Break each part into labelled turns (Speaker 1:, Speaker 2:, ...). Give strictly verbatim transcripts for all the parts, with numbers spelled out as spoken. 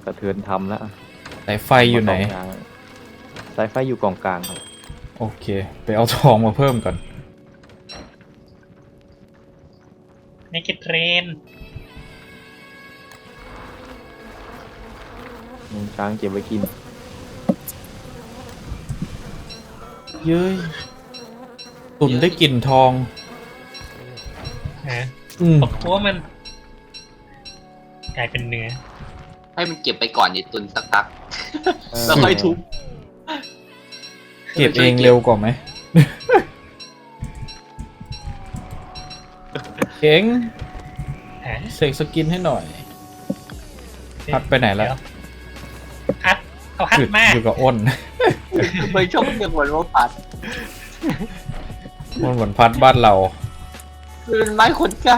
Speaker 1: ระเทือนทำแล้ว
Speaker 2: สายไฟอยู่ไหน
Speaker 1: สายไฟอยู่กองกลางครับ
Speaker 2: โอเค ไปเอาทองมาเพิ่มก่อน
Speaker 3: ในกิเทรน
Speaker 1: มูลช้างเก็บไว้กิน
Speaker 2: เย้ยตุ่นได้กลิ่นทอง
Speaker 3: ฮะ
Speaker 2: อืม
Speaker 3: ตบหัวมัน กลายเป็นเนื้อ
Speaker 4: ให้มันเก็บไปก่อนดิตุนสักพัก
Speaker 1: เออ
Speaker 4: แล้วค่อยทุบ
Speaker 2: เก็บเองเร็วกว่าไหม เก่ง
Speaker 3: ฮะ
Speaker 2: เสกสกินให้หน่อย พัดไปไหนแล้ว
Speaker 3: เดี๋ยพัดเอาพัด
Speaker 2: อยู่
Speaker 3: มา
Speaker 2: อยู่กับอ้น
Speaker 4: ทำไมชอบเรียกวันว่าพัด
Speaker 2: อ้นเหมือนพัดบ้านเรา
Speaker 4: เป็นไม้ขนไก่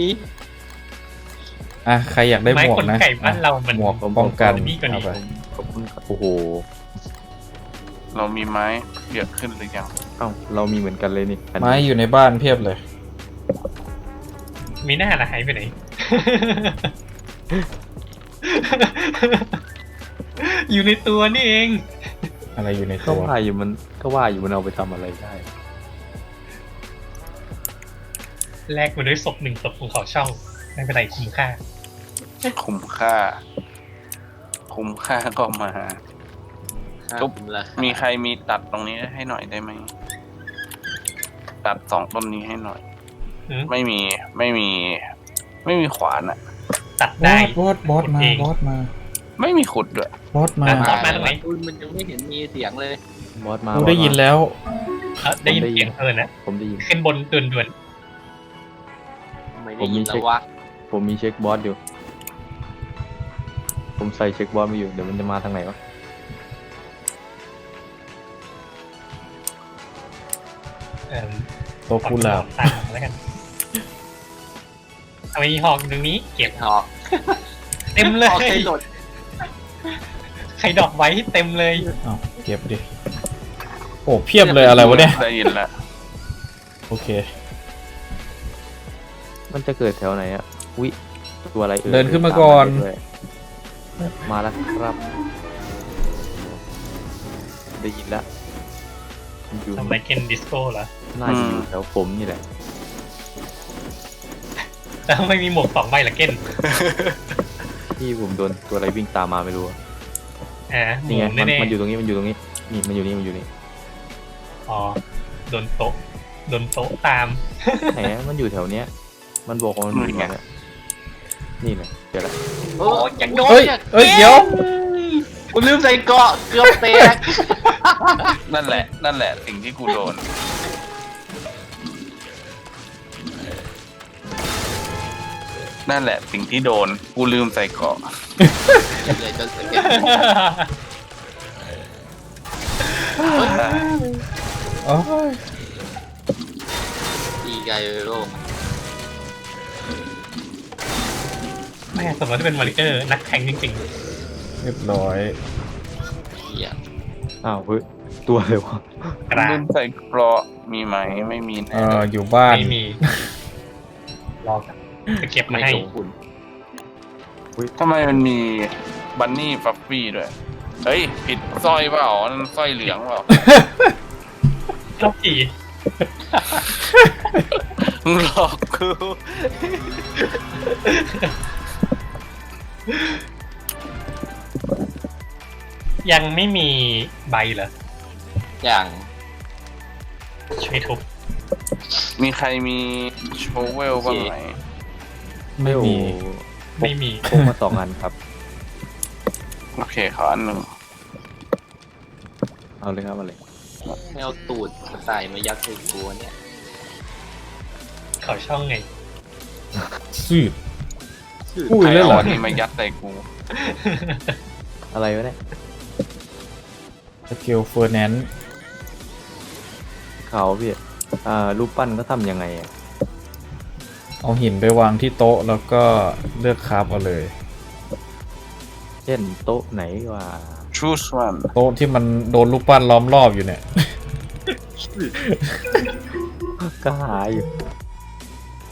Speaker 2: อ่ะ ใครอยากได้ห
Speaker 3: ไม้
Speaker 2: มวก
Speaker 3: ขน
Speaker 2: นะ
Speaker 3: ไก่บ้านเรามัน
Speaker 2: หมวกป้องกัน
Speaker 3: นี่กว่านี้
Speaker 2: เอาไป
Speaker 1: ขอบคุณครับโอ้โห
Speaker 5: เรามีไม้เยอะขึ้นหรือยัง
Speaker 1: เอ้าเรามีเหมือนกันเลยนี่อันนี้
Speaker 2: ไม้อยู่ในบ้านเพียบเลย
Speaker 3: มีหน้าละหายไปไหน อยู่ในตัวนี่เอง
Speaker 2: อะไรอยู่ใน
Speaker 1: ก็
Speaker 2: ตัว
Speaker 1: ว่าอยู่มันก็ว่าอยู่มันเอาไปทำอะไรได้
Speaker 3: แลกมาด้วยศพหนึ่งศพของเขาช่อง ไม่เป็นไรคุ้มค่า
Speaker 5: คุ้มค่า คุ้มค่าก็มา ทุบ
Speaker 4: ละ
Speaker 5: มีใครมีตัดตรงนี้ให้หน่อยได้ไหม ตัดสองต้นนี้ให้หน่อย
Speaker 3: หืม
Speaker 5: ไม่มีไม่มี ไม่มีขวานอะ
Speaker 3: ตัด
Speaker 2: บ
Speaker 3: ได้
Speaker 2: อสบอสบอสมา
Speaker 3: เอง
Speaker 2: บอสมา
Speaker 5: ไม่มีขุดด้วย
Speaker 2: บอสมา
Speaker 3: อ่ะ มาตรงไหน
Speaker 4: ตุนมันยังไม่เห็นมีเสียงเลย
Speaker 1: บอสมา
Speaker 2: กู
Speaker 1: บอส
Speaker 2: ได้ยิน
Speaker 1: มา
Speaker 2: แล้ว
Speaker 3: เอ้าได้ยินเสียงเธอนะ
Speaker 1: ผมได้ยิน
Speaker 3: ขึ้นบนด่วนด่วน
Speaker 4: ไม่ได้ยินแล้ววะ
Speaker 1: ผมมีเช็คบอสอยู่ ผมใส่เช็คบอสมาอยู่ เดี๋ยวมันจะมาทางไหนวะ
Speaker 3: ๆเอ่อ
Speaker 2: โตวกุหลาบ
Speaker 3: ตามแล้วกันเอาไอ้หอกอยู่ตรงนี้ เก็บ
Speaker 4: หอก
Speaker 3: เต็มเลย
Speaker 4: หอกใช้หลด
Speaker 3: ใครดอกไว้เต็มเลย
Speaker 2: อ้าวเก็บดิ โอ้เพียบเลยอะไรวะเนี่ย
Speaker 5: ได้ยินแล้ว
Speaker 2: โอเค
Speaker 1: มันจะเกิดแถวไหนอะวิตัวอะไรเอ่ย
Speaker 2: เดินขึ้นมาก่อน
Speaker 1: ตมมาด้วยมาแล้วครับ ได้ยินแล้วอยู่
Speaker 3: ทำไรเกนดิสโก้เหรอ
Speaker 1: น่าจะอยู่แถวผมนี่แหละ
Speaker 3: แล้วไม่มีหมวกสองใบเหรอเกน
Speaker 1: ที่ผมโดนตัวอะไรวิ่งตามมาไม่รู้อะ
Speaker 3: อ่าห
Speaker 1: นี่
Speaker 3: มู
Speaker 1: ไงมัน
Speaker 3: แน่
Speaker 1: มันอยู่ตรงนี้มันอยู่ตรงนี้นี่มันอยู่นี่มันอยู่นี่
Speaker 3: ๆอ๋อโดนโต๊ะโดนโต๊ะตาม
Speaker 1: แหมมันอยู่แถวเนี้ย มันบอกว่ามันอยู่แถวเนี้ยนี่เลยเดี๋ยวละ
Speaker 4: โอ้ยยังโดน
Speaker 2: เฮ้ย
Speaker 4: นี่
Speaker 2: เฮ้ย เดี๋ยว
Speaker 4: กูลืมใส่เกราะเกือบแตก
Speaker 5: นั่นแหละ นั่นแหละ สิ่งที่กูโดน นั่นแหละ สิ่งที่โดน กูลืมใส่เกราะ
Speaker 4: เลยจนเสร็จ
Speaker 2: โอ้ย
Speaker 4: ตีไกลโลก
Speaker 3: แม่สมมติว่าเป็นมาริเออร์นักแข่งจริง
Speaker 2: เรียบร้อย
Speaker 4: เหี้ย
Speaker 1: อ้าวเฮ้ยตัวเลยวะ
Speaker 3: ๆ กลา
Speaker 5: ลื
Speaker 3: ง
Speaker 5: มใส่เกราะมีไหม ไม่มี
Speaker 2: เอ่
Speaker 5: แน่
Speaker 2: อ อยู่บ้าน
Speaker 3: ไม่มี รอกันจะเก็บมา
Speaker 4: ไม่
Speaker 3: ให้
Speaker 4: สมคุณ
Speaker 5: ทำไมมันมีบันนี่ฟัฟฟี่ด้วย เฮ้ย ผิดสร้อยเปล่านั่นสร้อยเหลืองเปล่า
Speaker 3: ชอบขี่
Speaker 5: มึงหลอกกู
Speaker 3: ยังไม่มีใบเหรอ
Speaker 4: อย่าง
Speaker 3: ช่วยทุบ
Speaker 5: มีใครมีโชเวลบ้างไหม
Speaker 2: ไม่มี
Speaker 3: ไม่มี
Speaker 1: พกมาสองอันครับ
Speaker 5: โอเคขออันหนึ่ง
Speaker 1: เอาเลยครับเอาเลย
Speaker 4: ไม่เอาตูดใส่มายัดใส่ตัวเนี่ย
Speaker 3: เขาช่องไง
Speaker 2: สืบ
Speaker 4: ชื่อ
Speaker 2: อุ้ย
Speaker 5: ใคร
Speaker 2: แล้ว
Speaker 5: เอา
Speaker 2: เหรอ
Speaker 5: อันนี้มายัดใส่กู
Speaker 1: อะไรวะเนี่ย
Speaker 2: สเกลเฟอร์แนนซ์
Speaker 1: เขาพี่อ่ารูปปั้นก็ทำยังไงอะ
Speaker 2: เอาหินไปวางที่โต๊ะแล้วก็เลือกคราฟเอาเลย
Speaker 1: เช่นโต๊ะไหนว่า
Speaker 5: choose one
Speaker 2: โต๊ะที่มันโดนลูกปั้นล้อมรอบอยู่เนี่ย
Speaker 1: ก็หาอยู่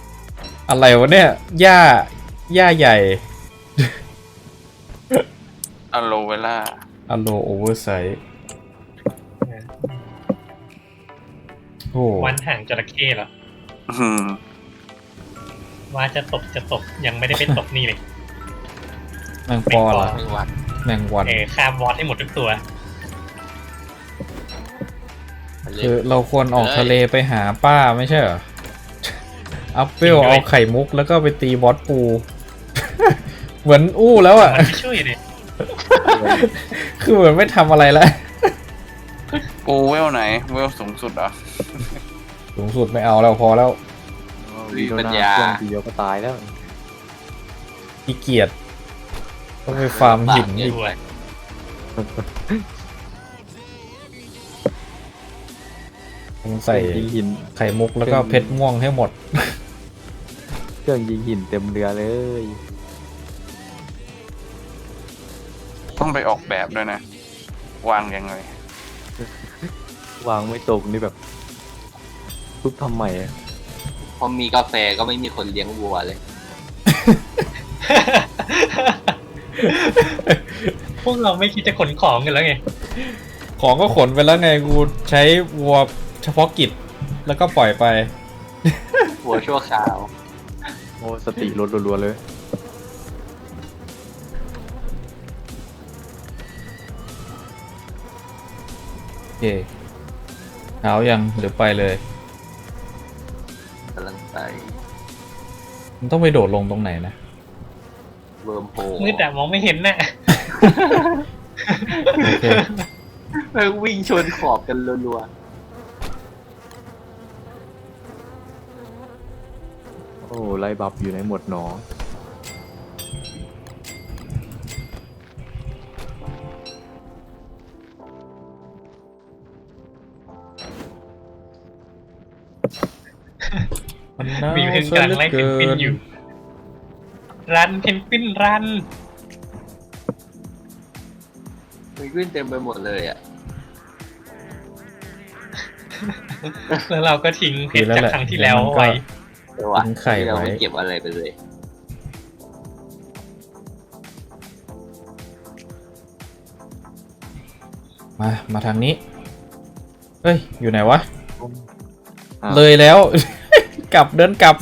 Speaker 2: อะไรวะเนี่ย หญ้า หญ้าใหญ่
Speaker 5: อะโลเวล่า
Speaker 2: อโลโอเวอร์ไซส์โอ้
Speaker 3: วันห่างจระเข้เหรอ
Speaker 5: อืม
Speaker 3: ว่าจะตบจะตบยังไม่ได้ไปตบนี่เลย
Speaker 2: แมงปอละ
Speaker 4: ไม่วัด
Speaker 2: แมงวัน
Speaker 3: เออข้ามวอดให้หมดทุกตัว
Speaker 4: มันเลย
Speaker 2: คือเราควรออกทะเลไปหาป้าไม่ใช่เหรอ อัพเวล
Speaker 3: จริงด้วย
Speaker 2: เอาไข่มุกแล้วก็ไปตีบอสปู เหมือนอู้แล้วอ่ะ
Speaker 3: มันไม่ช่วยเลย
Speaker 2: คือเหมือนไม่ทำอะไรแล้ว
Speaker 5: ปูเวลไหน เวลสูงสุดเหรอ
Speaker 2: สูงสุดไม่เอาแล้วพอแล้ว
Speaker 1: วีโดนาเครื่องทีเดียวก็ตายแล้ว
Speaker 2: ขี้เกียจต้องไปฟาร์มหินอีก
Speaker 3: ด้วย
Speaker 2: ต้องใส่
Speaker 1: ยิงหิน
Speaker 2: ไข่มุกแล้วก็เพชรม่วงให้หมด
Speaker 1: เครื่องยิงหินเต็มเรือเลย
Speaker 5: ต้องไปออกแบบด้วยนะ วางยังไง
Speaker 1: วางไม่ตรงนี่แบบทุบทำใหม่อะ
Speaker 4: พอมีกาแฟก็ไม่มีคนเลี้ยงวัวเลย
Speaker 3: พวกเราไม่คิดจะขนของกันแล้วไง
Speaker 2: ของก็ขนไปแล้วไงกูใช้วัวเฉพาะกิจแล้วก็ปล่อยไป
Speaker 4: วัวชั่วคราว
Speaker 1: โอ้สติลดรัวๆเลย
Speaker 2: โอเคเอายังหรือไปเลย
Speaker 4: กำลังไป
Speaker 2: มันต้องไปโดดลงตรงไหนนะ
Speaker 4: เวิร์มโฮ
Speaker 3: มืดแต่มองไม่เห็นน่ะ
Speaker 2: โอเค
Speaker 4: แม่งวิ่งชนขอบกันรัว
Speaker 1: โอ้ไล่บับอยู่ในหมวดหนอ
Speaker 2: มันน่า
Speaker 3: มีเพนกำลังไล่เพนกวินอยู่ รันเพนกวินรัน
Speaker 4: ๆมันวิ่งเต็มไปหมดเลยอ่ะ
Speaker 3: แล้วเราก็ทิ้งเพชรจากครั้งที่แล้วไว้
Speaker 4: เออว่ะ
Speaker 2: ทิ้งไข่
Speaker 4: เรา
Speaker 2: ไว้
Speaker 4: ไม่เก็บอะไรไปเลย
Speaker 2: มา มาทางนี้ เฮ้ย อยู่ไหนวะ
Speaker 1: อ้าว
Speaker 2: เลยแล้ว กลับเดินกลับ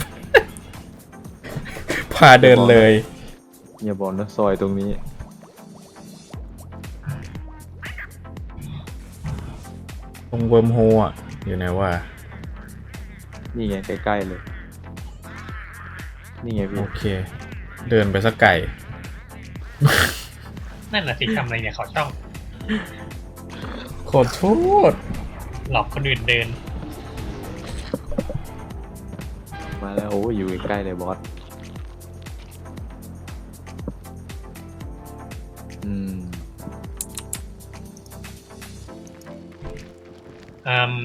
Speaker 2: พาเดินเลย
Speaker 1: อย่าบอกนะซอยตรงนี้
Speaker 2: ตรงเวิร์มโฮอ่ะ อยู่ไหนวะ
Speaker 1: นี่ไงใกล้ๆเลย นี่ไงพี่
Speaker 2: โอเค เดินไปสักไก่
Speaker 3: นั่นน่ะสิทำอะไรเนี่ยเขาช่อง
Speaker 2: ขอโทษ
Speaker 3: หลอกคนอื่นเดิน
Speaker 1: มาแล้วโอ้อยู่ใกล้ๆเลยบอส อืม
Speaker 3: อืม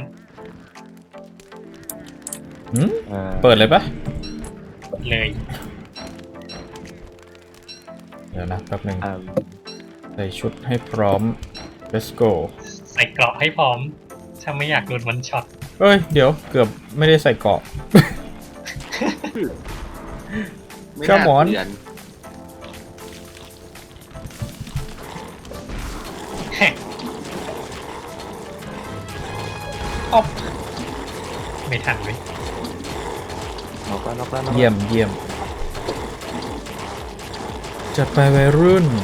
Speaker 2: หืม
Speaker 1: อ่า
Speaker 2: เปิดเลยปะ
Speaker 3: เลย
Speaker 2: เดี๋ยวนะแป๊บหนึ่ง
Speaker 1: อ่า
Speaker 2: ใส่ชุดให้พร้อม let's go
Speaker 3: ใส่เกราะให้พร้อม ถ้าไม่อยากโดนวันช็อต
Speaker 2: เอ้ย เดี๋ยวเกือบไม่ได้ใส่เกราะ
Speaker 4: ไม่
Speaker 2: เจ้า
Speaker 4: น่า
Speaker 2: หมอน
Speaker 4: เตือน
Speaker 3: แฮะอ๊อบไม่ทันเลย
Speaker 1: นอกแล้วนอกแล้วนอกแล้ว
Speaker 2: เยี่ยมเยี่ยม จัดไปวัยรุ่น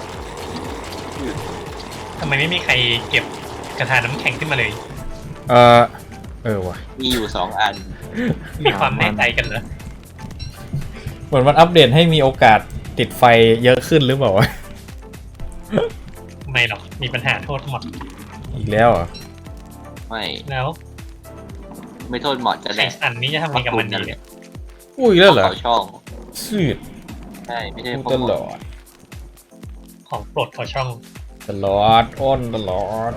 Speaker 3: ทำไมไม่มีใครเก็บกระทาน้ำแข็งขึ้นมาเลย
Speaker 2: เออเออว่ะ
Speaker 4: มีอยู่สองอัน
Speaker 3: มีความแน่ใจกันเหรอ
Speaker 2: เหมือนมันอัปเดตให้มีโอกาสติดไฟเยอะขึ้นหรือเปล่าวะ
Speaker 3: ไม่หรอก มีปัญหาโทษหมด
Speaker 2: อีกแล้วเหรอ
Speaker 4: ไม่
Speaker 3: แล้ว
Speaker 4: ไม่โทษหมอดจะ
Speaker 3: ไข่
Speaker 4: แดก
Speaker 3: สันนี้จะทำยังไงกับมันดีเนี่ย
Speaker 2: อุ้ยอีกแล้วเหรอ
Speaker 4: เขาช่อง
Speaker 2: สืด
Speaker 4: ใช่ไม่ใช่
Speaker 2: พูด
Speaker 4: พวก
Speaker 2: ต
Speaker 4: หม
Speaker 2: ล
Speaker 4: อด
Speaker 2: อด
Speaker 3: ของโปรดเขาช่อง
Speaker 2: ตลอด อ้อนตลอด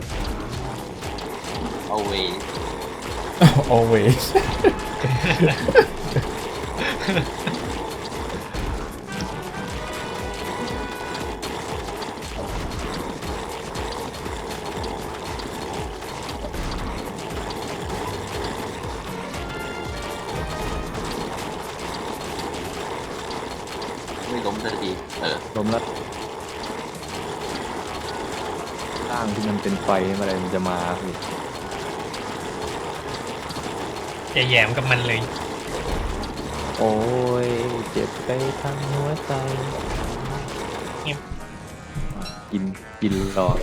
Speaker 4: เอาเว
Speaker 2: always
Speaker 4: ไม่ล้มสักทีเออ
Speaker 1: ล้มแล้วร่างที่มันเป็นไฟอะไรมันจะมาพี่
Speaker 3: อย่าแหยมกับมันเลย
Speaker 1: โอ้ยเจ็บไปทั้งหัวใจ
Speaker 3: เงียบ
Speaker 1: กินกินรอ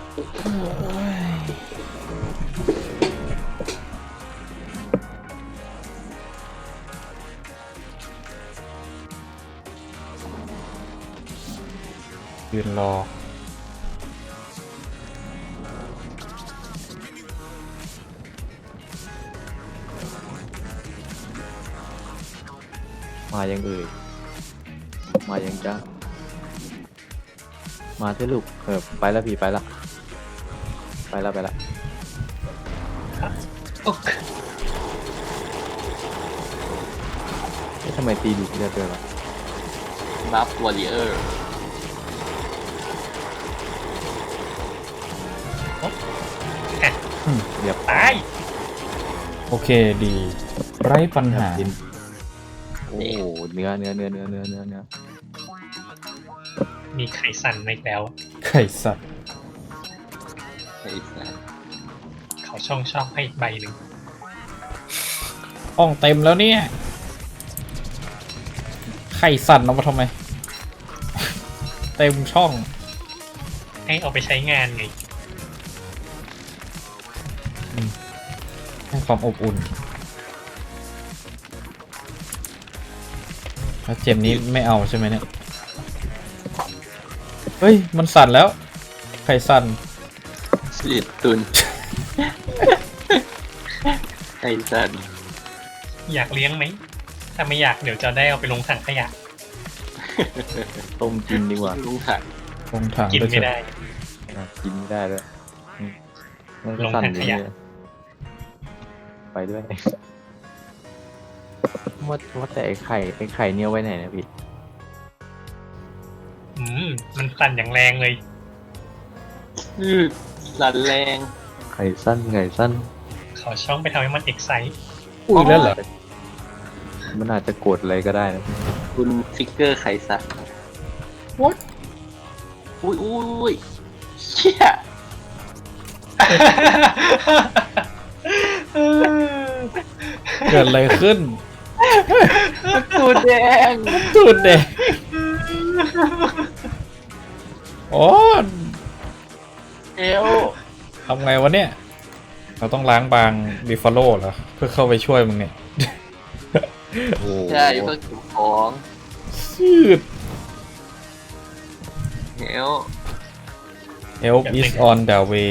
Speaker 2: ยืนรอ
Speaker 1: มายังเอ่ยมายังจ้ามาเถอะลูกเออไปแล้วพี่ไปละไปละไปละ
Speaker 3: โอ๊ะ
Speaker 1: เอ๊ะทำไมตีดูดเลือดด้วยล่ะ
Speaker 4: บัฟวอริเออร์
Speaker 2: อืม
Speaker 1: เรียบ
Speaker 3: ตาย
Speaker 2: โอเคดี ไร้ปัญหา
Speaker 1: กินโอ้โหเนื้อเนื้อเนื้อเนื้อเนื้อเนื้อเนื้อ
Speaker 3: มีไข่สั่นในแล้ว
Speaker 2: ไข่สัตว์
Speaker 4: ไอ้สัส
Speaker 3: เขาช่องช่องให้อีกใบหนึ่ง
Speaker 2: ห้องเต็มแล้วเนี่ย ไข่สั่นเอามาทำไม เต็มช่อง
Speaker 3: ให้เอาไปใช้งานไง
Speaker 2: ให้ความอบอุ่น แล้วเจมนี้ไม่เอาใช่ไหมเนี่ย เฮ้ย มันสั่นแล้ว ไข่สั่น
Speaker 4: สิตุน ไอ้สัส
Speaker 3: อยากเลี้ยงไหม ถ้าไม่อยากเดี๋ยวจะได้เอาไปลงถังขยะ
Speaker 1: ต้มกินดีกว่า
Speaker 4: ลุงถัง
Speaker 2: ลงถัง
Speaker 3: กิน
Speaker 2: ปเถ
Speaker 3: ไม่
Speaker 2: อะ
Speaker 3: ได้
Speaker 1: อ่ะกินไม่ได้ด้วยอืมมัน
Speaker 3: ล
Speaker 1: ก็
Speaker 3: ง
Speaker 1: สั่น
Speaker 3: ถัง
Speaker 1: อยู่
Speaker 3: ขยะ
Speaker 1: เนี่ยไปด้วยว่าว่าแต่ไอ้ไข่ไอ้ไข่เนี่ยไว้ไหนนะพี่
Speaker 3: อืม มันสั่นอย่างแรงเลย
Speaker 4: อือสันแรง
Speaker 1: ไข่สั้นไข่สั้น
Speaker 3: เขาช่องไปทำให้มันเอกไซต์
Speaker 2: อุ้ยแล้วเหรอ
Speaker 1: มันอาจจะกดอะไรก็ได้นะ
Speaker 4: คุณฟิกเกอร์ไข่สัตว์
Speaker 2: What?
Speaker 4: อุ้ยอุ้ยอุ้ยเชี่ย
Speaker 2: เกิดอะไรขึ้น
Speaker 4: ตูดแดง
Speaker 2: ตูดเด็กโอ้
Speaker 4: เอว
Speaker 2: ทำไงวะเนี่ย เราต้องล้างบางบิฟฟาโลเหรอ เพื่อเข้าไปช่วยมึงเนี่ย
Speaker 1: โอ้โห
Speaker 4: ใช่เพื่อเก็บของ
Speaker 2: ชืด
Speaker 4: เอว
Speaker 2: Help is on the way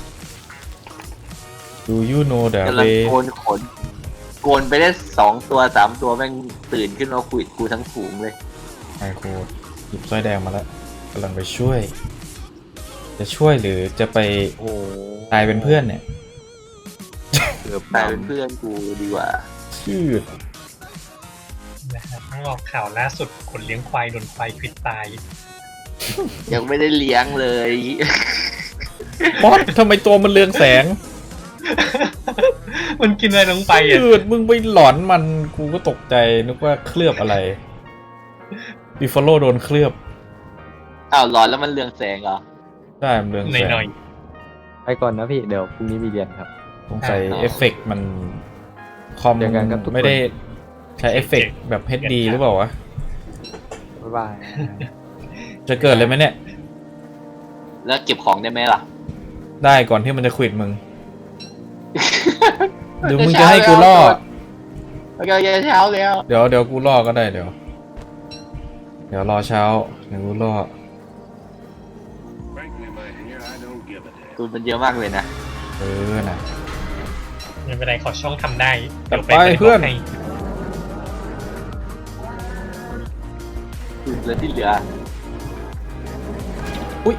Speaker 2: Do you know the
Speaker 4: กำลัง
Speaker 2: way
Speaker 4: โกนขนโกนไปได้สองตัวสามตัวแม่งตื่นขึ้นมาคุยกูทั้งฝูงเลย
Speaker 2: ไมโครหยิบสร้อยแดงมาแล้วกำลังไปช่วย จะช่วยหรือจะไป
Speaker 1: โอ้โห
Speaker 2: ตายเป็นเพื่อนเนี่ย
Speaker 1: เกือบ
Speaker 4: ตายเป็นเพื่อนกูดีกว่า
Speaker 2: ชืด
Speaker 3: นะครับต้องออกข่าวล่าสุดคนเลี้ยงควายโดนควายควิดตาย
Speaker 4: ยังไม่ได้เลี้ยงเลย
Speaker 2: บอสทำไมตัวมันเรืองแสง
Speaker 3: มันกินอะไรลงไปอ่ะ
Speaker 2: ชืดมึงไปหลอนมันกูก็ตกใจนึกว่าเคลือบอะไรบิฟฟาโลโดนเคลือบ
Speaker 4: อ้าวร้อนแล้วมันเรืองแสงเหรอ
Speaker 2: ใช่มันเรือง
Speaker 3: ห
Speaker 2: แสง
Speaker 3: น่อย
Speaker 1: ไปก่อนนะพี่เดี๋ยวพรุ่งนี้มีเรียนครับ
Speaker 2: สงสัย
Speaker 4: อ๋อ
Speaker 2: เอฟเฟกต์มันคอม
Speaker 1: เจอกันครับทุกคน
Speaker 2: ไม่ได้ใช้เอฟเฟกต์แบบ เอช ดี หรือเปล่าวะ
Speaker 1: บ๊ายบาย
Speaker 2: จะเกิดเลยไหมเนี่ย
Speaker 4: แล้วเก็บของได้ไหมล่ะ
Speaker 2: ได้ก่อนที่มันจะควิดมึง หรือมึงจะให้กูล่อ
Speaker 4: โอเคโอเคเช้าแล้ว
Speaker 2: เดี๋ยวเดี๋ยวกูล่อก็ได้เดี๋ยว เดี๋ยวรอเช้า เดี๋ยวกูล่อ
Speaker 6: Frankly, my dear, I don't give a damn.
Speaker 4: ตูนมันเยอะมากเลยนะ
Speaker 2: เออน่ะ
Speaker 3: ๆไม่เป็นไรขอช่องทำได้
Speaker 2: จัด
Speaker 3: เดี๋ยว
Speaker 2: ไปเพื่อน
Speaker 3: ให้
Speaker 4: ตูนเหลือที่เหลือ
Speaker 2: อุ้ย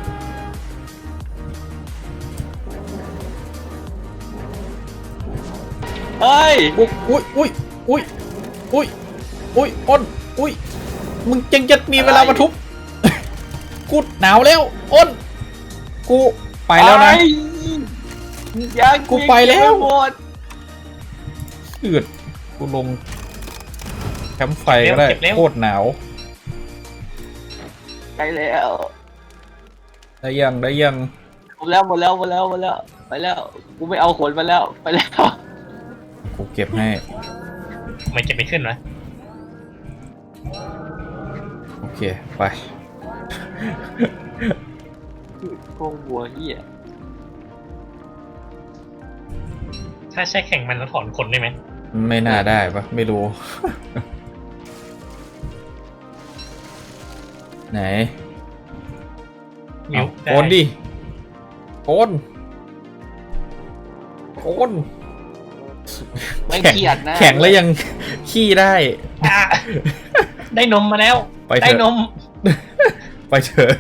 Speaker 4: เฮ้ย
Speaker 2: อุ้ยอุ้ยอุ้ยอุ้ยอุ้ยอุ้ยอ้นอุ้ยมึงยังจะมีเวลามาทุบ กูหนาวแล้วอ้นกูไปแล้วนะ
Speaker 4: ยัง
Speaker 2: กูไปแล้ว
Speaker 4: หมด
Speaker 2: อืดกูลงแคมป์ไฟก็ได้โคตรหนาว
Speaker 4: ไปแล้ว
Speaker 2: ได้ยังได้ยัง
Speaker 4: หมดแล้วหมดแล้วหมดแล้วหมดแล้วไปแล้วกูไม่เอาขนมาแล้วไปแล้ว
Speaker 2: กูเก็บให้
Speaker 3: ทำไมเก็บไม่ขึ้นวะ
Speaker 2: โอเคไป
Speaker 4: พวกบัวเฮีย
Speaker 3: ถ้าใช้แข่งมันแล้วถอนขนได้ไหม
Speaker 2: ไม่น่าได้ปะไม่รู้ ไหน
Speaker 3: มิว
Speaker 2: โอนดิโอนโอน
Speaker 4: ไม่
Speaker 2: แข็ง
Speaker 4: เครียดนะ
Speaker 2: แข็งแล้วยัง ขี้ได้
Speaker 3: อ่ะได้นมมาแล้ว
Speaker 2: ไปเถอะ
Speaker 3: ได้นม
Speaker 2: ไปเถอะ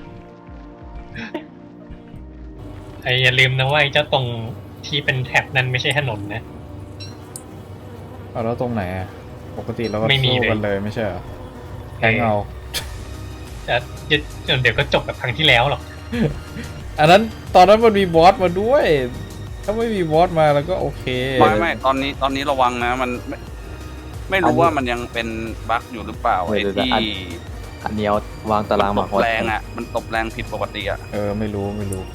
Speaker 3: ไอ้อย่าลืมนะว่าไอ้เจ้าตรงที่เป็นแท็บนั้นไม่ใช่ถนนนะ
Speaker 2: เอาแล้วตรงไหนอ่ะ ปกติเราก็
Speaker 3: ไม่มี
Speaker 2: สู้
Speaker 3: เลย
Speaker 2: กันเลยไม่ใช่เหรอแทงเอา
Speaker 3: แต่เดี๋ยวเดี๋ยวก็จบแบบครั้งที่แล้วหรอก
Speaker 2: อันนั้นตอนนั้นมันมีบอสมาด้วย ถ้าไม่มีบอสมาแล้วก็โอเค
Speaker 5: ไม่ไม่ตอนนี้ตอนนี้ระวังนะมันไม่ไม่รู้ว่ามันยังเป็นบั๊กอยู่หรือเปล่าไอ้ที่
Speaker 1: อันนี้เอาวางตาราง
Speaker 5: ต
Speaker 1: มา
Speaker 5: บ
Speaker 1: ฮอต
Speaker 5: แรงอ่ะมันตบแรงผิดปกติอ่ะ
Speaker 2: เออไม่รู้ไม่รู้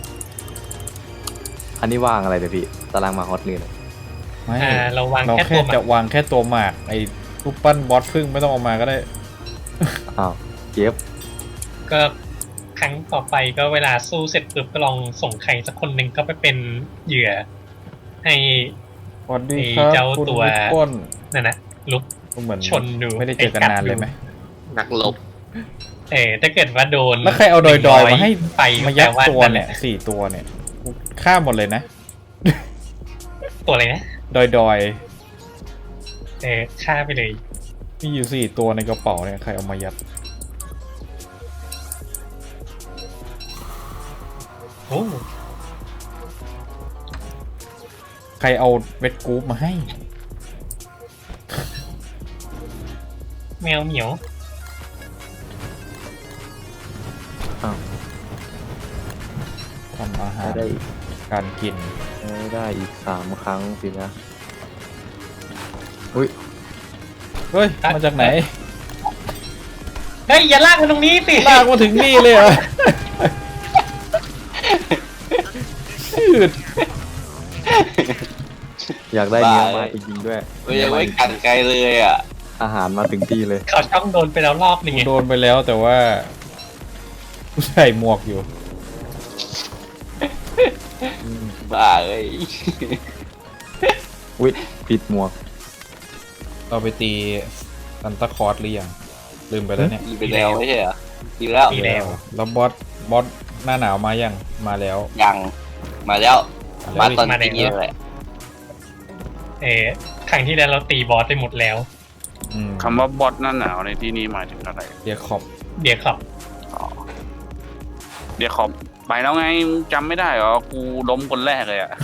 Speaker 1: อันนี้วางอะไรเดี๋ยวพี่ตารางมาฮอตนี่เลย
Speaker 2: ไม่
Speaker 3: อ่าเราวาง
Speaker 2: เรา
Speaker 3: แค่
Speaker 2: แค่
Speaker 3: ตัวหมาก
Speaker 2: จะวางแค่ตัวหมากไอ้รูปปั้นบอสพึ่งไม่ต้องเอามาก็ได้
Speaker 1: อ้าวเก็บ
Speaker 3: ก็ครั้งต่อไปก็เวลาสู้เสร็จปุ๊บก็ลองส่งใครสักคนหนึ่งก็ไปเป็นเหยื่อ ให้
Speaker 2: สวัสดีครับ
Speaker 3: ไอ้เจ้า
Speaker 2: คุณ
Speaker 3: ตัว
Speaker 2: วิปป้น
Speaker 3: นั่นนะลุก
Speaker 2: ก็เหมือน
Speaker 3: ชนดู
Speaker 2: ไม่ได้เจอกันนานเลยไหม
Speaker 4: นักลบ
Speaker 3: เออถ้าเกิดว่าโดน
Speaker 2: แล้วใครเอาดอยดอยๆมาให้
Speaker 3: ไป
Speaker 2: มายัด
Speaker 3: แปลา
Speaker 2: ตัวเนี่ยสี่ตัวเนี่ยกูฆ่าหมดเลยนะ
Speaker 3: ตัวอะไรนะ
Speaker 2: ดอยดอย
Speaker 3: เออฆ่าไปเลย
Speaker 2: ๆมีอยู่สี่ตัวในกระเป๋าเนี่ยใครเอามายัด
Speaker 3: โอ้
Speaker 2: ใครเอาเวทกรูปมาให้
Speaker 3: แมวเหมียว
Speaker 2: ทำอาหา
Speaker 1: ได้
Speaker 2: ร
Speaker 1: ได้อีก
Speaker 2: การกิน
Speaker 1: ได้ได้อีกสามครั้งสินะอุ้ย
Speaker 2: เฮ้ย มาจากไหน
Speaker 3: เฮ้ยอย่าลากมันตรงนี้สิ
Speaker 2: ลากมาถึงนี่เลยเหรอชืด
Speaker 1: อยากได้เนื้อมาจริงๆด้วย
Speaker 4: ไม่ยังไม่กันไกลเลยอ่ะ
Speaker 1: อาหารมาถึงที่เลย
Speaker 3: เขาช่องโดนไปแล้วรอบหนึ่งไง
Speaker 2: โดนไปแล้วแต่ว่ากูใส่หมวกอยู่
Speaker 4: บ้าเอ้ย
Speaker 1: อุ้ยปิดหมวก
Speaker 2: เราไปตีซันตาคลอสหรือยัง ลืมไปแล้วเนี่ย
Speaker 4: อีไปแล้วไม่ใช่เหรออีแล้ว
Speaker 3: ดีแล้ว
Speaker 2: แล้วบอสบอสหน้าหนาวมายังมาแล้ว
Speaker 4: ยังมาแล้ว
Speaker 2: มา
Speaker 4: มา
Speaker 2: แล้ว
Speaker 4: ตอน
Speaker 3: มาแล้ว
Speaker 4: นี้เลย
Speaker 3: เออครั้งที่แล้วเราตีบอสไปหมดแล้ว
Speaker 2: อืม
Speaker 5: คำว่าบอสหน้าหนาวในที่นี้หมายถึงอะไร
Speaker 2: เดียขอบ
Speaker 3: เดี๋ยวขับ
Speaker 5: อ๋อเดี๋ยวขอไปแล้วไงมึงจำไม่ได้เหรอกูล้มคนแรกเลยอ่ะ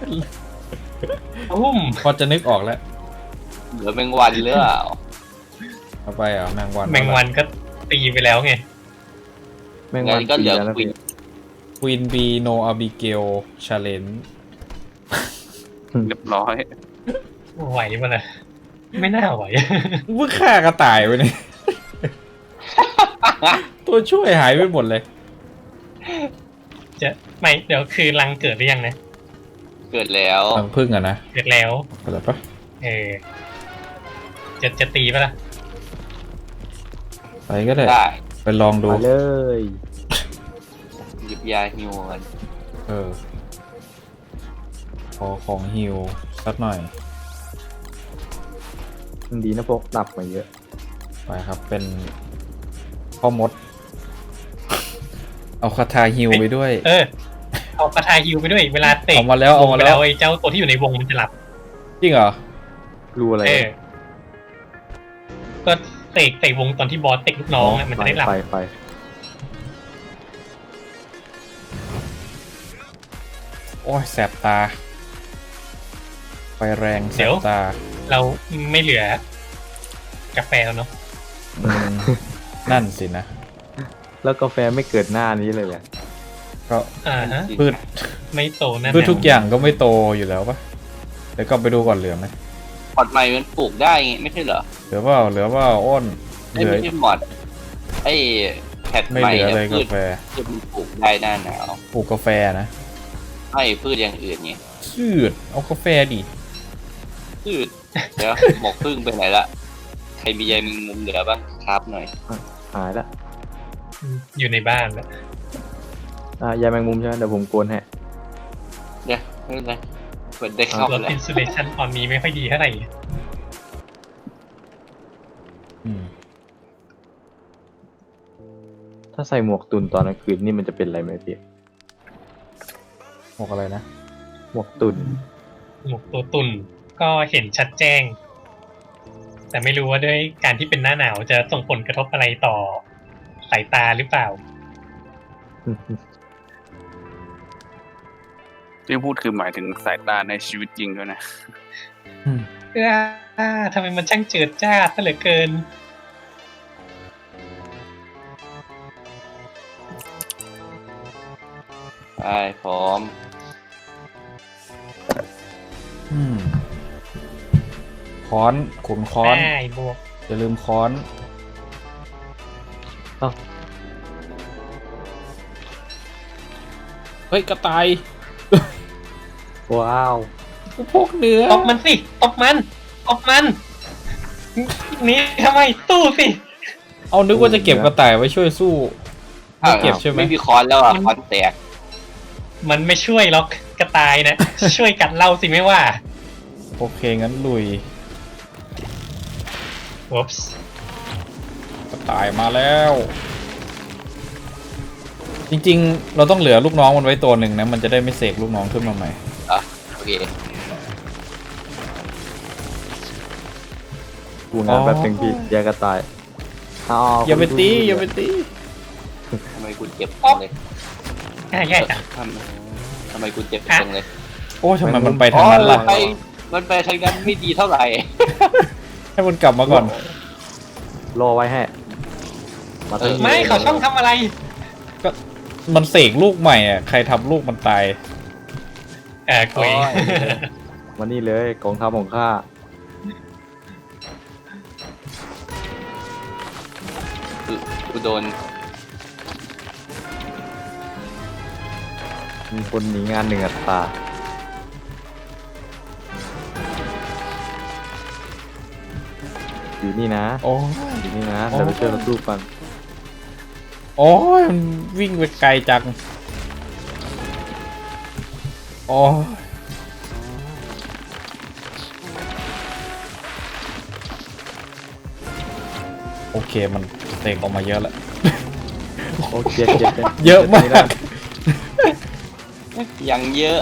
Speaker 3: อุ้ม
Speaker 2: พอจะนึกออกแล้ว
Speaker 4: เหลือแมงวันหรือเปล่า
Speaker 2: เอาไปอ่ะแมงวัน
Speaker 3: แมงวันก็ตีไปแล้วไง
Speaker 1: แม่ง
Speaker 4: งั้
Speaker 1: วัน
Speaker 4: นก็เหลือ
Speaker 1: ปีแล้ว
Speaker 4: ควิน
Speaker 1: พี่
Speaker 2: ควีนบีโนอาบิเกลชาเลน
Speaker 5: เรียบร้อย
Speaker 3: ไหวปะล่ะไม่น่าไหว
Speaker 2: มึงฆ่ากระต่ายไปเนี่ย ตัวช่วยหายไปหมดเลย
Speaker 3: จะไม่เดี๋ยวคือรังเกิดหรือยังนะ
Speaker 4: เกิดแล้ว
Speaker 2: ทังพึ่งอะนะ
Speaker 3: เกิดแล้ว
Speaker 2: เปิดปะ
Speaker 3: เออจะจะตีปะล่ะ
Speaker 2: ไปก็ได้
Speaker 4: ได้
Speaker 2: ไปลองดู
Speaker 1: มาเลย
Speaker 4: หยิบยาฮิวกัน
Speaker 2: เออ ขอของฮิวสักหน่อย
Speaker 1: ดีนะพวกหลับมาเยอะ
Speaker 2: ไปครับ เป็นพ่อมด เอาคาถาฮิวไปด้วย
Speaker 3: เออเอากระทายฮิวไปด้วยเวลาเตะ
Speaker 2: เอามาแล้วเอามาแล้ว
Speaker 3: ไอ้เจ้าตัวที่อยู่ในวงมันจะหลับ
Speaker 2: จริงเหรอ
Speaker 1: รู้อะไร
Speaker 3: เออ ก็เตะเตะวงตอนที่บอสเตะลูกน้องอะมันจะได้หลับ
Speaker 1: ไฟไฟ
Speaker 2: โอ้ยแสบตา ไฟแรงแส
Speaker 3: เดี๋ยว
Speaker 2: บตา
Speaker 3: เราไม่เหลือกาแฟแล้วเนาะ
Speaker 2: อืมนั่นสินะ
Speaker 1: แล้วกาแฟไม่เกิดหน้านี้เลยเนี่ย
Speaker 2: ก็
Speaker 3: อ่าฮะ
Speaker 2: พืช
Speaker 3: ไม่โตนั่น
Speaker 2: พืช
Speaker 3: น่ะ
Speaker 2: ทุกอย่างก็ไม่โตอยู่แล้วปะเดี๋ยวก็ไปดูก่อนเหลือไหม
Speaker 4: พอดใหม่มันปลูกได้ไงไม่ใช่เหรอ
Speaker 2: เหลือเปล่าเหลือเปล่าอ้นเห
Speaker 4: ไอ้ย
Speaker 2: ลือ
Speaker 4: ไม่ใช่หมอดไอ้พท
Speaker 2: ไม่
Speaker 4: ใหม่
Speaker 2: เหลือ
Speaker 4: เนี่ย
Speaker 2: เลย
Speaker 4: พื
Speaker 2: กา
Speaker 4: ช
Speaker 2: แฟ
Speaker 4: พืชมันปลูกได้หน้าหนาว
Speaker 2: ปลูกกาแฟนะ
Speaker 4: ไม่พืชอย่างอื่นไง
Speaker 2: ชืดเอากาแฟดิ
Speaker 4: พืชเดี๋ยวหมกพึ่งไปไหนละใครมีใยแมงมุมเหลือบ้างครับหน่อย
Speaker 1: หายละ
Speaker 3: อยู่ในบ้านแล้ว
Speaker 1: อ่ะยายแมงมุมใช่ไหมเดี๋ยวผมโกนให้
Speaker 4: เดี๋ยวไม่เป็นไรเปิดได้เข้า
Speaker 3: ตัว
Speaker 4: แล้ว
Speaker 3: อินซูเลชันตอนนี้ไม่ค่อยดีเท่าไหร่
Speaker 2: อืม
Speaker 1: ถ้าใส่หมวกตุนตอนกลางคืนนี่มันจะเป็นอะไรไหมพี่
Speaker 2: บอกอะไรนะ
Speaker 1: หมวกตุน
Speaker 3: หมวกตัวตุ่นก็เห็นชัดแจ้ง แต่ไม่รู้ว่าด้วยการที่เป็นหน้าหนาวจะส่งผลกระทบอะไรต่อสายตาหรือเปล่า
Speaker 5: ที่พูดคือหมายถึงสายตาในชีวิตจริงด้วยนะ
Speaker 2: อืม
Speaker 3: เอ้อทำไมมันช่างเจิดจ้าซะเหลือเกิน
Speaker 4: ไปพร้อม
Speaker 2: อืมค้อนขุนค้อน
Speaker 3: ได้บวก
Speaker 2: อย่าลืมค้อน
Speaker 1: เอ้า
Speaker 2: เฮ้ย กระต่าย
Speaker 1: ว้าว
Speaker 2: กูพกเนื้อ
Speaker 3: ตบมันสิตบมันตบมันหนี่ทำไมตู้สิ
Speaker 2: เอานึกว่าจะเก็บกระต่ายไว้ช่วยสู้ ไม่เก็บใช่ไหม
Speaker 4: ไม่มีคอนแล้วอ่ะคอนแตก
Speaker 3: มันไม่ช่วยหรอกกระต่ายนะ ช่วยกัดเราสิไม่ว่า
Speaker 2: โอเค งั้นลุย
Speaker 3: วอปส์
Speaker 2: กระต่ายมาแล้ว จริงๆ เราต้องเหลือลูกน้องมันไว้ตัวหนึ่งนะ มันจะได้ไม่เสกลูกน้องขึ้นมาใหม่
Speaker 4: อ่ะโอเค
Speaker 1: กูงานแป๊บนึงพี่ยายกระต่ายเ
Speaker 2: อย่าไปตี
Speaker 1: คนดู
Speaker 2: อย่าไปตี
Speaker 4: ทำไมคุณเจ็บจังเลย
Speaker 3: ง่ายง่ายจัง
Speaker 4: ทำทำไมคุณเจ็บจังเลย
Speaker 2: โอ้ทำไมมันไปทางนั้นล่ะ
Speaker 4: อ๋อมันไปมันไปทางนั้นไม่ดีเท่าไหร่
Speaker 2: ให้มันกลับมาก่อน
Speaker 1: รอไว้ให้มาตั้ง
Speaker 3: ไม่เขาช่องทำอะไร
Speaker 2: ก็มันเสกลูกใหม่อ่ะ ใครทำลูกมันตาย
Speaker 3: เออกุย
Speaker 1: มานี่เลยกองทัพของข้า
Speaker 4: คือกูโดน
Speaker 1: มีคนหนีงานหนึ่งอัตราอยู่นี่นะ
Speaker 2: โอ้ย
Speaker 1: อยู่นี่นะ
Speaker 2: โอ้
Speaker 1: เดี๋ยวไปช่วยเราสู้กัน
Speaker 2: โอ้ยมันวิ่งไปไกลจัง โอ้ยโอเค มันเตกออกมาเยอะแล้ว
Speaker 1: โอเคเจ็บ
Speaker 2: เยอะมาก
Speaker 4: ยังเยอะ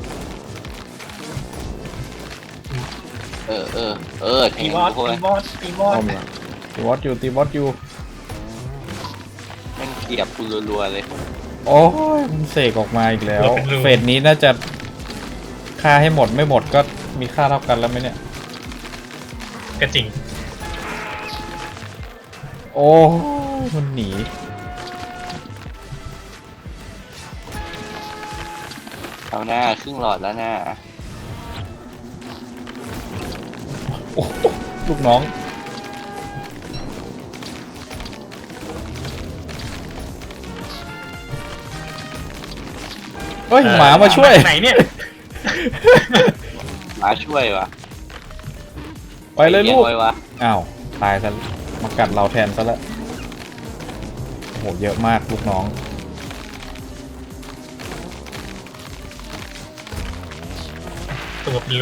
Speaker 4: เออเออเออแท
Speaker 3: ตี
Speaker 4: ง
Speaker 3: บอส
Speaker 4: กู
Speaker 3: ตี
Speaker 4: เลย
Speaker 3: บอสตีบอ
Speaker 1: อ้อ
Speaker 3: ส
Speaker 1: มหลัง
Speaker 2: ตีวอตอยู่ตีวอตอยู่
Speaker 4: แม่งเกียบกูรัวๆเลย
Speaker 2: โอ้ยมันเสกออกมาอีกแล้ว เฟสนี้น่าจะฆ่าให้หมดไม่หมดก็มีค่าเท่ากันแล้วไหมเนี่ย
Speaker 3: ก็จริง
Speaker 2: โอ้ยมันหนี
Speaker 4: เอาหน้าครึ่งหลอดแล้วหน้า
Speaker 2: โอ้โหลูกน้อง เฮ้ย หมามาช่วย
Speaker 3: ไหนเนี่ย
Speaker 4: มาช่วยวะ
Speaker 2: ไปเลยลูก
Speaker 4: ไว้วะ
Speaker 2: อ้าว ตายซะมากัดเราแทนซะแล้วโอ้โห เยอะมากลูกน้อง
Speaker 3: ตัวเป็นรู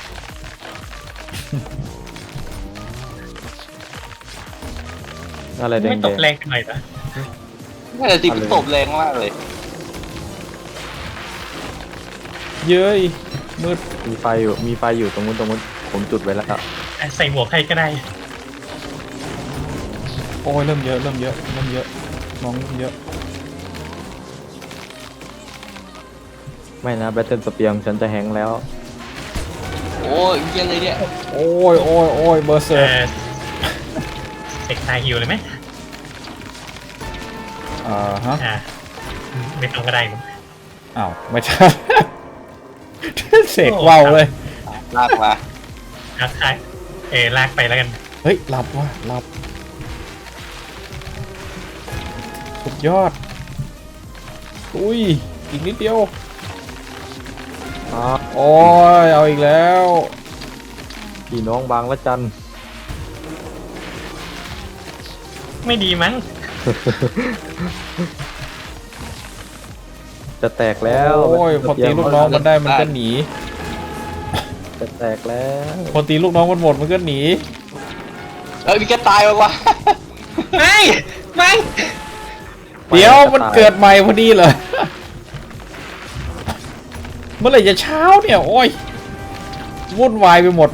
Speaker 1: อะไรแด
Speaker 3: ไม่
Speaker 1: ง
Speaker 3: ตกแรงกันหน่อยนะ
Speaker 4: น่าจะติดตบแรงมากเลย
Speaker 2: เย้ยมืด
Speaker 1: ๆมีไฟอยู่มีไฟอยู่ตรงนู้นตรงนู้นผมจุดไว้แล้ว
Speaker 3: อ่ะใส่หมวกให้ก็ได้
Speaker 2: โอ้ย เริ่มเยอะ เริ่มเยอะ เริ่มเยอะ น้องเริ่มเยอะ
Speaker 1: ไม่นะแบตเทิลสเปียร์ฉันจะแฮงก์แล้ว
Speaker 4: โอ้ยเยี่ยเลยเนี่ย
Speaker 2: โอ้ยโอ้ยโอ้ยเบอร์เซ
Speaker 3: เอ
Speaker 2: อร์
Speaker 3: อเสกตายฮิวเลยไหม
Speaker 2: อ่าฮะ
Speaker 3: อ่าไม่ต้องก็ได้มั้ง
Speaker 2: อ้าว ไม่ใช่ เสกว่าวเลย
Speaker 4: ลากมา
Speaker 3: เอาท้ายเออลากไปแล้วกัน
Speaker 2: เฮ้ย หลับว่ะหลับสุดยอดอุ้ยอีกนิดเดียว
Speaker 1: อ่า
Speaker 2: โอ้ยเอาอีกแล้ว
Speaker 1: พี่น้องบางละจัน
Speaker 3: ไม่ดีมั้ง
Speaker 1: จะแตกแล้ว
Speaker 2: โอ้ยพอตีลูกน้องมันได้มันก็หนี
Speaker 1: จะแตกแล้ว
Speaker 2: พอตีลูกน้องมันหมดมันก็หนี
Speaker 4: เอ้ยมีแกตายมาวะ
Speaker 3: ไม่ไม่
Speaker 2: เดี๋ยวมันเกิดใหม่พอดีเหรอ เมื่อไหร่จะเช้าเนี่ยโอ้ยวุ่นวายไปหมด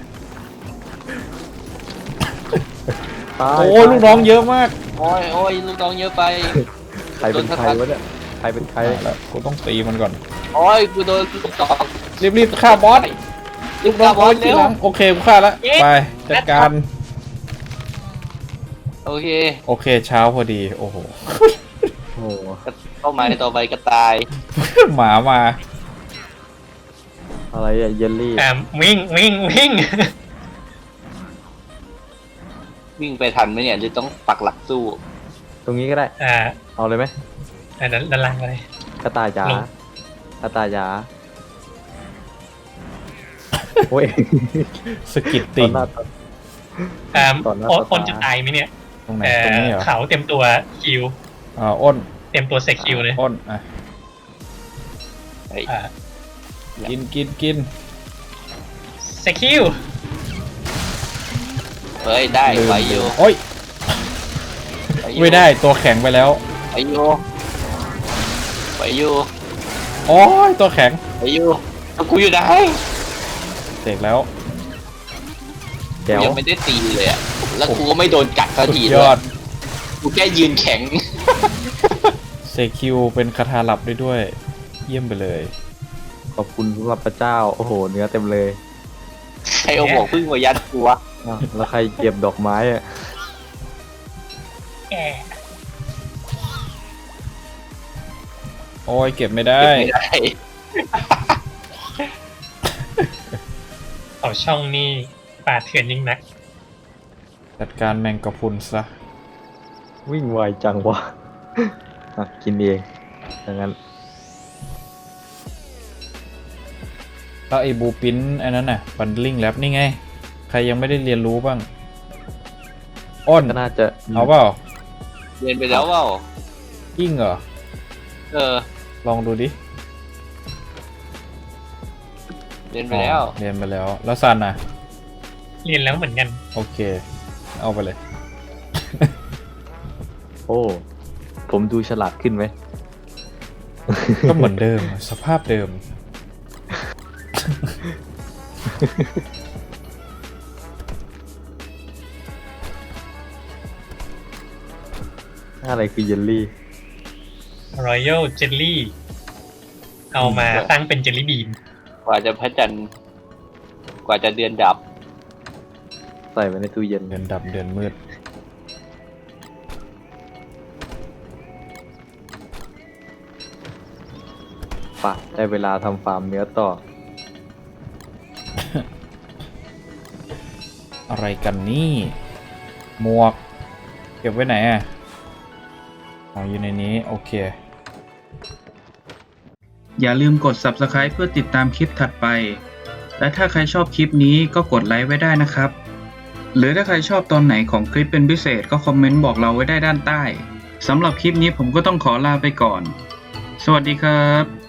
Speaker 1: ตาย
Speaker 2: โอ้ยลูกน้องเยอะมาก
Speaker 4: โอ้ยโอ้ยลูกน้องเยอะไป
Speaker 1: ใครเป็นใครวะเนี่ยใครเป็นใคร
Speaker 2: แล้วกูต้องตีมันก่อน
Speaker 4: โอ้ยกูโดนลูกตอก
Speaker 2: รีบๆฆ่าบอส
Speaker 4: ลูก
Speaker 2: น้
Speaker 4: น้
Speaker 2: อ
Speaker 4: อง ง
Speaker 2: โอ้ยที
Speaker 4: เร็ว
Speaker 2: หลังโอเคกูฆ่าแล้วไปจัดการ
Speaker 4: โอเค
Speaker 2: โอเคเช้าพอดีโอ้โห
Speaker 1: โอ้โห
Speaker 4: เข้ามาต่อไปก็ตาย
Speaker 2: หมามา
Speaker 1: อะไรอะเยลลี่
Speaker 3: อ่าวิ่งวิ่งวิ่ง
Speaker 4: วิ่งไปทันไหมเนี่ยหรือต้องปักหลักสู้
Speaker 1: ตรงนี้ก็ได้
Speaker 3: อ่า
Speaker 1: เอาเลยไหม
Speaker 3: อ่าด้านด้านล่างเลย
Speaker 1: กระต่ายจ๋า
Speaker 3: ลง
Speaker 1: กระต่ายจ๋าโอ้ย
Speaker 2: สกิด
Speaker 1: ต
Speaker 2: ติ
Speaker 1: อนหน้าตอน
Speaker 3: อ่า
Speaker 1: ต่อหน้า
Speaker 3: โอ้
Speaker 1: ต่อตา
Speaker 3: คนจะตายไหมเนี่ย
Speaker 2: ตรงไหน
Speaker 3: เอ่
Speaker 2: ตรง
Speaker 3: อ
Speaker 2: นี้เหรอ
Speaker 3: เขาเต็มตัวคิว
Speaker 2: อ่าอ้น
Speaker 3: เต็มตัวเซคิวเลย
Speaker 2: อ้นอ่ะ
Speaker 4: เฮ้ย
Speaker 3: อ่า
Speaker 2: กินกินกิน
Speaker 3: เซคิว
Speaker 4: เฮ้ยได้ไหวอยู่
Speaker 2: โอ้ย
Speaker 4: หวอยู่
Speaker 2: ไม่ได้ตัวแข็งไปแล้ว
Speaker 4: ไหวอยู่ไหวอยู่
Speaker 2: โอ้ยตัวแข็ง
Speaker 4: ไหวอยู่แล้วกูอยู่ไหน
Speaker 2: เสกแล้ว
Speaker 1: แจ๋ว
Speaker 4: กูยังไม่ได้ตีเลยอะแล้วกูก็ไม่โดนกัดสัก
Speaker 2: สุด
Speaker 4: ที
Speaker 2: ย
Speaker 4: ด้ว
Speaker 2: อย ด
Speaker 4: กูแค่ยืนแข็ง
Speaker 2: เซคิวเป็นคาถาหลับได้ด้วย เยี่ยมไปเลย
Speaker 1: ขอบคุณสำหรับพระเจ้าโอ้โหเนื้อเต็มเลย
Speaker 4: ใครเอาหมวกพึ่งมายัดกูวะ
Speaker 1: อ้าวแล้วใครเก็บดอกไม้อะ
Speaker 3: แก
Speaker 2: โอ้ยเก็บไม่ได้
Speaker 4: เก็บไม่ได้
Speaker 3: เขาช่องนี่ป่าเถื่อนยิ่งนัก
Speaker 2: จัดการแมงกะพรุนซะ
Speaker 1: วิ่งไวจังวะอ่ะกินเองดังนั้น
Speaker 2: แล้วไอ้บูปินอันนั้นน่ะบันลิงแลบนี่ไง ใครยังไม่ได้เรียนรู้บ้าง อ้น
Speaker 1: ก็น่าจะ
Speaker 2: เอาเปล่า
Speaker 4: เรียนไปแล้วเปล่า
Speaker 2: ยิ่งเหรอ
Speaker 4: เออ
Speaker 2: ลองดูดิ
Speaker 4: เรียนไปแล้ว
Speaker 2: อ๋อเรียนไปแล้ว แล้วซันน่ะ
Speaker 3: เรียนแล้วเหมือนกัน
Speaker 2: โอเค เอาไปเลย
Speaker 1: โอ้ผมดูฉลาดขึ้นไหม
Speaker 2: ก็เหมือนเดิม สภาพเดิม
Speaker 1: อะไรคือเยลลี่
Speaker 3: รอยัลเจลลี่ เอามาตั้งเป็นเจลลี่บีน
Speaker 4: กว่าจะพระจันทร์กว่าจะเดือนดับ
Speaker 1: ใส่ไว้ในตู้เย็น
Speaker 2: เดือนดับเดือนมืด
Speaker 1: ปะได้เวลาทำฟาร์มเนื้อต่อ
Speaker 2: อะไรกันนี่ หมวก เก็บไว้ไหนอ่ะอ๋ออยู่ในนี้ โอเค
Speaker 7: อย่าลืมกด ซับสไครบ์ เพื่อติดตามคลิปถัดไป และถ้าใครชอบคลิปนี้ก็กดไลค์ไว้ได้นะครับ หรือถ้าใครชอบตอนไหนของคลิปเป็นพิเศษก็คอมเมนต์บอกเราไว้ได้ด้านใต้ สำหรับคลิปนี้ผมก็ต้องขอลาไปก่อน สวัสดีครับ